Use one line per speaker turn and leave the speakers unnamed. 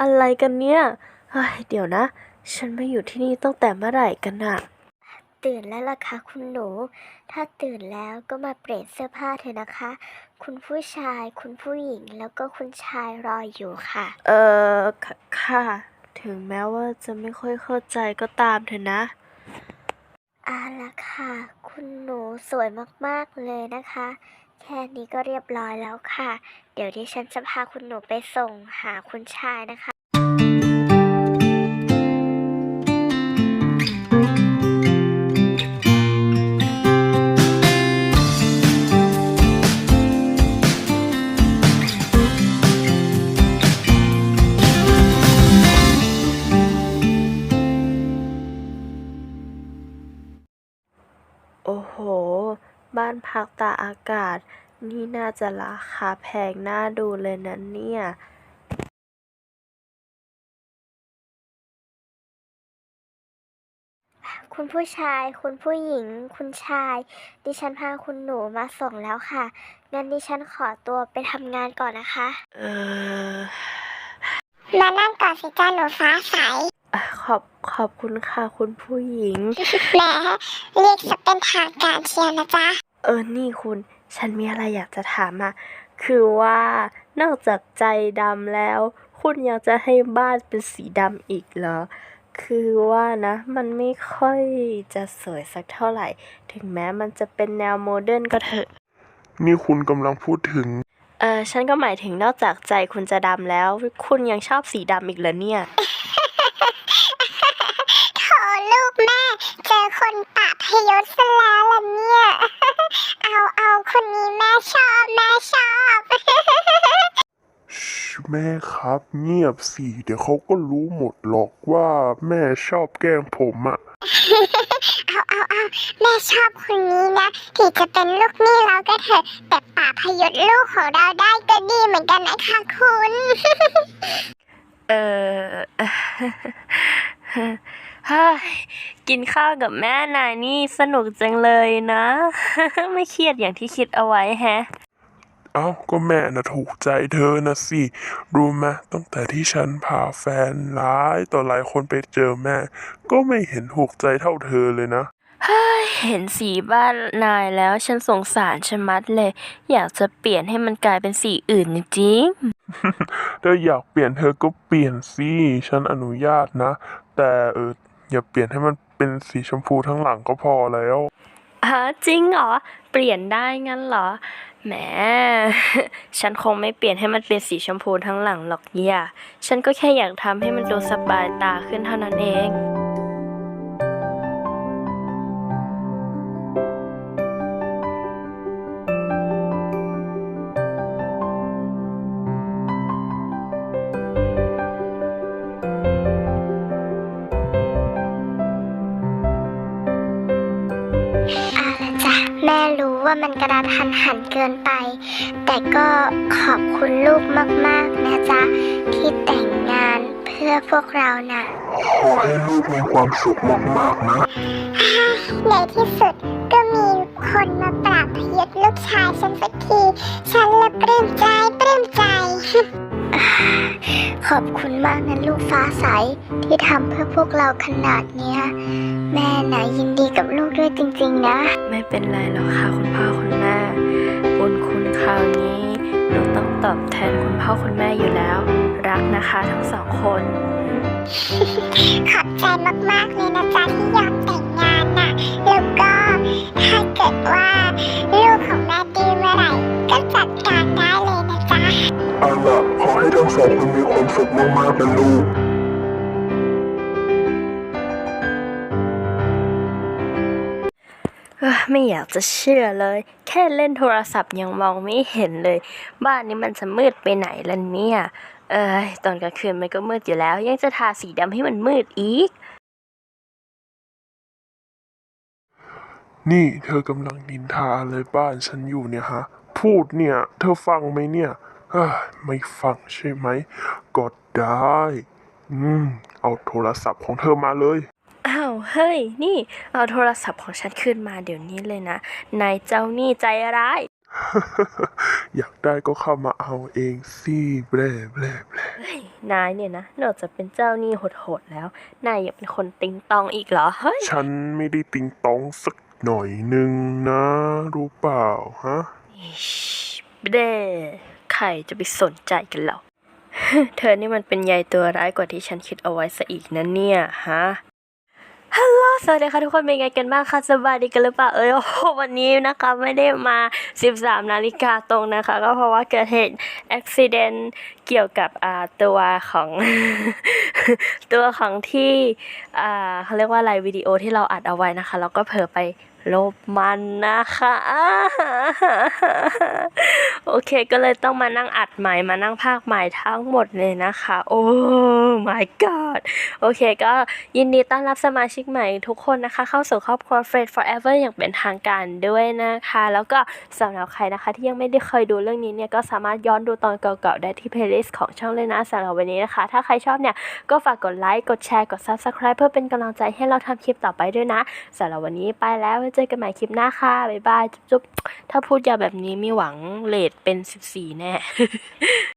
อะไรกันเนี่ยเฮ้ยเดี๋ยวนะฉันมาอยู่ที่นี่ตั้งแต่เมื่อไหร่กันอะตื่นแล้วล่ะคะคุณหนู ถ้าตื่นแล้วก็มาเปลี่ยนเสื้อผ้าเถอะนะคะ คุณผู้ชาย คุณผู้หญิง แล้วก็คุณชายรออยู่ค่ะ ค่ะ ถึงแม้ว่าจะไม่ค่อยเข้าใจก็ตามเถอะนะละค่ะ คุณหนูสวยมากๆเลยนะคะ แค่นี้ก็เรียบร้อยแล้วค่ะ เดี๋ยวดิฉันจะพาคุณหนูไปส่งหาคุณชายนะคะ โอ้โห บ้านพักตากอากาศ นี่น่าจะราคาแพงน่าดูเลยนะเนี่ย คุณผู้ชาย คุณผู้หญิง คุณชาย ดิฉันพาคุณหนูมาส่งแล้วค่ะ งั้นดิฉันขอตัวไปทำงานก่อนนะคะ
มานั่งก่อนสิจ้าหนูฟ้าใส
ขอบคุณค่ะคุณผู้หญิง
แหมเรียกจะเป็นทางการเชียวนะจ๊ะ
นี่คุณ ฉันมีอะไรอยากจะถามอะคือว่านอกจากใจดำแล้ว คุณยังจะให้บ้านเป็นสีดำอีกเหรอ คือว่านะ มันไม่ค่อยจะสวยสักเท่าไหร่ ถึงแม้มันจะเป็นแนวโมเดิร์นก็เถอะ
นี่คุณกำลังพูดถึง
ฉันก็หมายถึงนอกจากใจคุณจะดำแล้ว คุณยังชอบสีดำอีกเหรอเนี่ย
โถลูกแม่ เจอคนปะพยศซะแล้วล่ะเนี่ย เอาคนนี้แม่ชอบ
แม่ครับเงียบสิเดี๋ยวเขาก็รู้หมดหรอกว่าแม่ชอบแกล้งผมอะ
เอาแม่ชอบคนนี้นะถึงจะเป็นลูกหนี้เราก็เถอะ แต่ปะพยศลูกของเราได้ก็ดีเหมือนกันนะคะคุณ
เฮ้ยกินข้าวกับแม่นายนี่สนุกจังเลยนะ ไม่เครียดอย่างที่คิดเอาไว้แฮะ
เอ้าก็แม่น่ะถูกใจเธอนะสิรู้ไหมตั้งแต่ที่ฉันพาแฟนหลายต่อหลายคนไปเจอแม่ ก็ไม่เห็นถูกใจเท่าเธอเลยนะ
เห็นสีบ้านนายแล้วฉันสงสารชะมัดเลย อยากจะเปลี่ยนให้มันกลายเป็นสีอื่นจริง
เธออยากเปลี่ยนเธอก็เปลี่ยนสิฉันอนุญาตนะ แต่อย่าเปลี่ยนให้มันเป็นสีชมพูทั้งหลังก็พอแล้ว
จริงเหรอ เปลี่ยนได้งั้นเหรอ แหม ฉันคงไม่เปลี่ยนให้มันเป็นสีชมพูทั้งหลังหรอกย่าฉันก็แค่อยากทำให้มันดูสบายตาขึ้นเท่านั้นเอง
จ้ะแม่รู้ว่ามันกระทันหันเกินไป แต่ก็ขอบคุณลูกมากๆนะจ๊ะที่แต่งงานเพื่อพวกเราน่ะ
ขอให้ลูกมีความสุขมากๆนะ
ในที่สุดก็มีคนมาปราบพยศลูกชายฉันสักที ฉันละปลื้มใจ ขอบคุณมากนะลูกฟ้าใสที่ทำเพื่อพวกเราขนาดเนี้ย แม่น่ะยินดีกับลูกด้วยจริงๆนะ
ไม่เป็นไรหรอกค่ะคุณพ่อคุณแม่บุญคุณคราวนี้หนูต้องตอบแทนคุณพ่อคุณแม่อยู่แล้ว รักนะคะทั้งสองคน
ขอบใจมากๆเลยนะจ๊ะที่ยอมแต่งงานน่ะ แล้วก็ถ้าเกิดว่าลูกของแม่ดื้อเมื่อไหร่ก็จัดการได้เลยนะจ๊ะ
เอาล่ะขอให้ทั้งสองคนมีความสุขมากๆนะลูก
ไม่อยากจะเชื่อเลย แค่เล่นโทรศัพท์ยังมองไม่เห็นเลย บ้านนี้มันจะมืดไปไหนล่ะเนี่ยตอนกลางคืนมันก็มืดอยู่แล้ว ยังจะทาสีดำให้มันมืดอีก
นี่เธอกำลังนินทาอะไรบ้านฉันอยู่เนี่ยฮะ พูดเนี่ย เธอฟังไหมเนี่ยไม่ฟังใช่ไหมก็ได้ เอาโทรศัพท์ของเธอมาเลย
อ้าวเฮ้ยนี่เอาโทรศัพท์ของฉันคืนมาเดี๋ยวนี้เลยนะนายเจ้านี่ใจร้าย
อยากได้ก็เข้ามาเอาเองสิแบลแบลแบล
นายเนี่ยนะนอกจากเป็นเจ้าหนี้โหดๆแล้ว นายยังเป็นคนติงตองอีกเหรอ เฮ้ย
ฉันไม่ได้ติงตองสักหน่อยหนึ่งนะ รู้เปล่าฮะ
เด้ใครจะไปสนใจกันหรอ เธอนี่มันเป็นใยตัวร้ายกว่าที่ฉันคิดเอาไว้ซะอีกนะเนี่ยฮะ ฮัลโหลสวัสดีค่ะทุกคนเป็นไงกันบ้างคะสบายดีกันหรือเปล่าโอ้โหวันนี้นะคะไม่ได้มา 13 นาฬิกาตรงนะคะ ก็เพราะว่าเกิดเหตุอุบิเหตุเกี่ยวกับตัวของ ตัวของที่เขาเรียกว่าอะไรวิดีโอที่เราอัดเอาไว้นะคะแล้วก็เผลอไปลบมันนะคะโอเคก็เลยต้องมานั่งอัดใหม่มานั่งพากย์ใหม่ทั้งหมดเลยนะคะโอ้ my god โอเคก็ยินดีต้อนรับสมาชิกใหม่ทุกคนนะคะเข้าสู่ครอบครัว Friends Forever อย่างเป็นทางการด้วยนะคะแล้วก็สำหรับใครนะคะที่ยังไม่ได้เคยดูเรื่องนี้เนี่ยก็สามารถย้อนดูตอนเก่าๆได้ที่ playlist ของช่องเลยนะสำหรับวันนี้นะคะถ้าใครชอบเนี่ยก็ฝากกดไลค์กดแชร์กด subscribe เพื่อเป็นกำลังใจให้เราทำคลิปต่อไปด้วยนะสำหรับวันนี้ไปแล้วไว้เจอกันใหม่คลิปหน้าค่ะบ๊ายบายจุ๊บๆถ้าพูดยาวแบบนี้มีหวังเรทเป็น14แน่